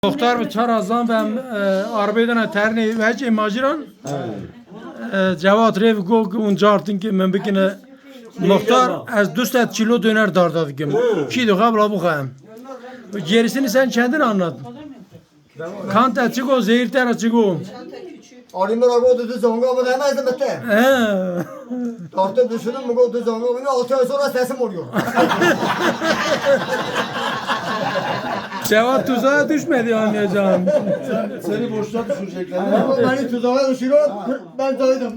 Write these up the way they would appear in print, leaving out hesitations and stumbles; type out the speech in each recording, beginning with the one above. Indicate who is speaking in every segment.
Speaker 1: Muhtar mı çarazdan ben arbeydana terni ve hiç imajiran cevap rev go unca artın ki ben bikine muhtar az 200 kilo döner dardadı ki ki de kabla bu kayım gerisini sen kendin anlat kant açık o zehir ter açık o
Speaker 2: Alimler abi zonga mı demezdim bitti. Tartıp düşünün mü o zonga mı 6 ay sonra sesim oluyor.
Speaker 1: cevap tuzağa düşmedi anlayacağım.
Speaker 3: Seni boşluğa düşürecekler.
Speaker 2: Beni tuzağa düşürüyor, ben zaydım.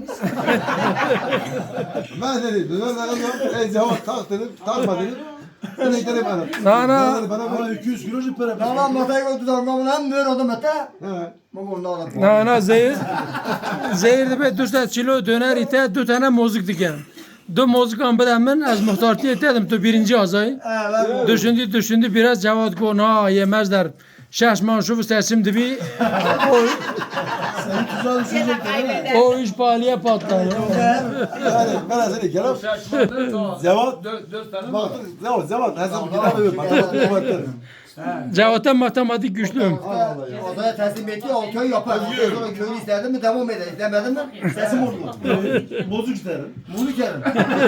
Speaker 3: Ben dedim, döner cevap tak dedim, takma dedim. İnekleri bana.
Speaker 1: Nana
Speaker 3: Bana 200 kilo para.
Speaker 2: Tamam masaya koydu zonga mı hem böyle oldum bitti.
Speaker 3: Evet.
Speaker 1: nana zehir de be 200 kilo döner ite 2 tane mozik diken. Du mozik an bedem ben az muhtartı etedim tu birinci azayı. Düşündü biraz cevap ko na yemezler. Şaşman şu sesim dibi
Speaker 3: Seni tuzağa düşürecekler.
Speaker 1: o iş pahalıya patladı.
Speaker 3: Yani ben seni kerem. Cevap. Bak cevap. Hesap kitabı matematik.
Speaker 1: Cevapta matematik güçlüyüm.
Speaker 2: Odaya teslim etti 6 ay yapar. Sonra köyünü isterdim mi devam eder. İstemedin mi sesim oluyor.
Speaker 3: Bozuk isterim.
Speaker 2: Bunu kerim.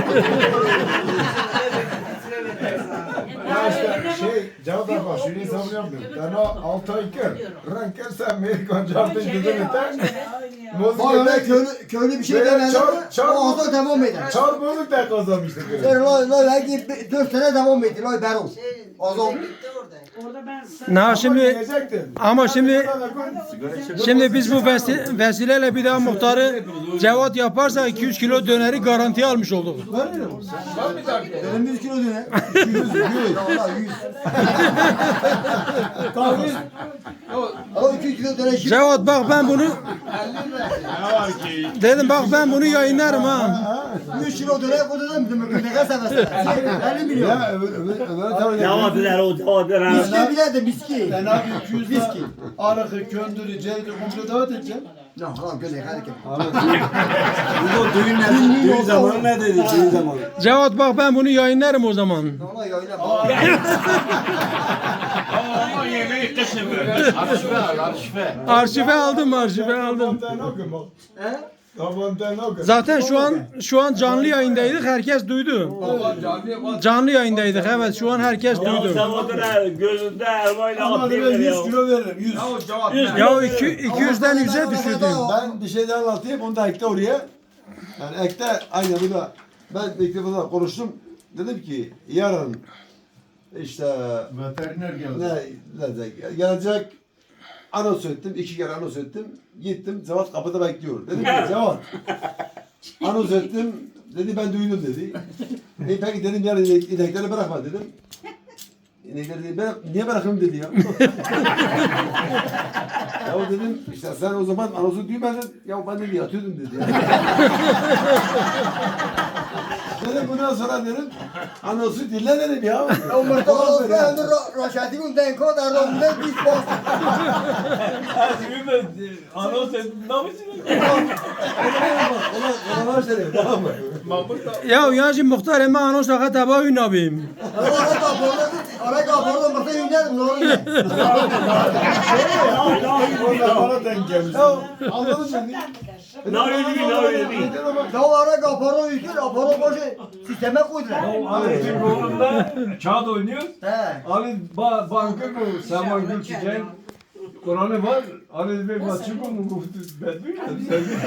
Speaker 4: Ya işte cevap ver bak şunu savunuyorum diyorum. Ben o 6 ay kır. Ranker sen Amerikan cevapta gidelim eten.
Speaker 2: Bak öyle köylü bir şey demedin mi o odaya devam eder.
Speaker 4: Çal bozuk da kazanmıştık.
Speaker 2: Sen belki 4 sene devam etti. Loy Berol. O zaman
Speaker 1: Na şimdi
Speaker 4: Diyecektin.
Speaker 1: ama şimdi biz bu vesileyle bir daha muhtarı cevap yaparsa 200 kilo döneri garantiye almış olduk.
Speaker 2: benim 100 kilo döner. 100. Valla 100. O 200 kilo döner şimdi.
Speaker 1: Cevap bak ben bunu dedim bak ben bunu yayınlarım ha.
Speaker 2: 100 kilo döner koydum bizim ne kadar seversen. 50 milyon.
Speaker 3: Ya öbür tabii.
Speaker 5: Cevaplar o cevaplar.
Speaker 2: Miski bile de miski.
Speaker 3: Ben abi 200 viski. Arakı, köndürü, cevdi komple davet edeceğim.
Speaker 2: Ne lan göle hareket.
Speaker 5: Bu düğün zamanı ne dedi? Düğün zamanı.
Speaker 1: Cevap bak ben bunu yayınlarım o zaman.
Speaker 2: Ona yayına
Speaker 5: Ama yemeği kışın böyle.
Speaker 1: Arşive aldım arşive aldım. Zaten şu an canlı yayındaydık herkes duydu. Canlı yayındaydık evet şu an herkes duydu.
Speaker 5: Sabahlara gözünde elmayla
Speaker 3: Ama ben
Speaker 5: atıyor
Speaker 3: 100
Speaker 5: ya.
Speaker 3: kilo veririm. 100.
Speaker 1: Ya 200'den 100'e düşürdüm.
Speaker 3: Ben bir şey daha anlatayım. Onu da ekle oraya. Yani ekle aynı bu da. Ben mikrofonla konuştum. Dedim ki yarın işte
Speaker 4: Veteriner geldi.
Speaker 3: ne gelecek anons ettim. 2 kere anons ettim. Gittim. Cevat kapıda bekliyor. Dedim ki Cevat anons ettim. Dedi ben duydum dedi. Peki dedim yarın inekleri bırakma dedim. İnekleri dedi niye bırakayım dedi ya. Ya dedim işte sen o zaman anonsu duymadın. Ya ben de yatıyordum dedi ya. Dedim bundan sonra dedim anonsu dinle dedim ya.
Speaker 2: Umurta olsa ömür Raşadi günden kadar ondan biz bas.
Speaker 5: Anons ettim. Ne yapıyorsun?
Speaker 3: Ona var seni tamam mı?
Speaker 1: Ya yancı muhtar hemen anons fakat taba ün abim.
Speaker 2: Ara kapalı masa yiyeceğim ne oluyor?
Speaker 4: Bana denk gelmiş.
Speaker 3: Anladın mı?
Speaker 5: Ne öyle değil, ne öyle değil.
Speaker 2: Ya ara kapalı yiyeceğim, kapalı boşu sisteme koydular.
Speaker 6: Ali bizim oğlumda kağıt oynuyor.
Speaker 2: He.
Speaker 6: Ali banka bu Saman Gül Çiçek. Kur'an'ı var. Ali Bey maçı bu mu? Ben duymadım.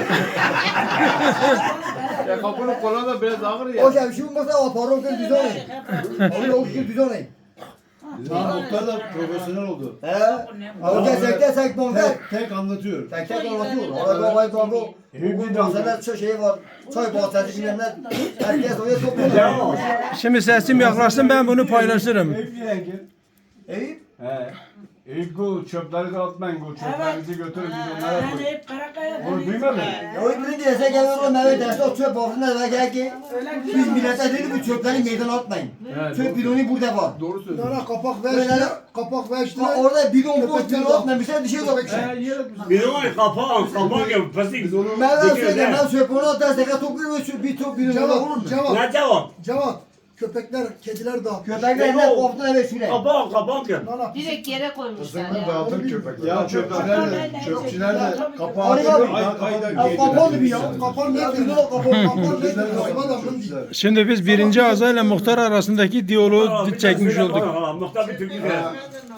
Speaker 4: Ya kapının kola da biraz ağır
Speaker 2: O şey şu masa kapalı kız düz olayım. O kız düz olayım.
Speaker 3: Muhtar da profesyonel oldu.
Speaker 2: He. O gerçekten sen bonga.
Speaker 3: Tek anlatıyor.
Speaker 2: Tek tek anlatıyor. Ara babayı kanka. Bu bahseder çok şey var. Çay bahseder bilmemler. Herkes oraya toplanıyor.
Speaker 1: Şimdi sesim yaklaşsın ben bunu paylaşırım.
Speaker 6: Eyüp yenge.
Speaker 2: Eyüp.
Speaker 6: He. Eyüp bu çöpleri dağıtmayın. Bu çöplerinizi götürün biz onlara koyun. Onu duymadın mı?
Speaker 2: Ya o birini diyese geliyor o meyve dersi o çöp altında da gel ki. Biz millete dedi bu çöpleri meydana atmayın. Çöp bidonu burada var.
Speaker 4: Doğru söylüyorsun.
Speaker 3: Kapak ver işte.
Speaker 2: Orada bidon boş bidon atmamışlar dışarı koymuşlar.
Speaker 5: Bir o kapağı gibi pasik.
Speaker 2: Ben söyleyeyim ben çöp onu atarsak topluyor bir top bidonu olur mu?
Speaker 5: Ne cevap?
Speaker 3: Cevat.
Speaker 7: köpekler, kediler dağıtmış.
Speaker 2: Köpekler ne korktu eve süre.
Speaker 8: Kapak ya.
Speaker 7: Nana,
Speaker 9: Direkt yere koymuşlar
Speaker 4: Kızını
Speaker 9: ya.
Speaker 4: dağıtır köpekler.
Speaker 3: Ya çöpçüler de kapağı
Speaker 2: Ali
Speaker 3: açıyor.
Speaker 2: abi. Kapalı bir ya. Kapalı ne diyor? Kapalı ne diyor? Adamın değil.
Speaker 1: Şimdi biz birinci Aza ile muhtar arasındaki diyaloğu çekmiş olduk.
Speaker 8: Muhtar bir Türk'ü de.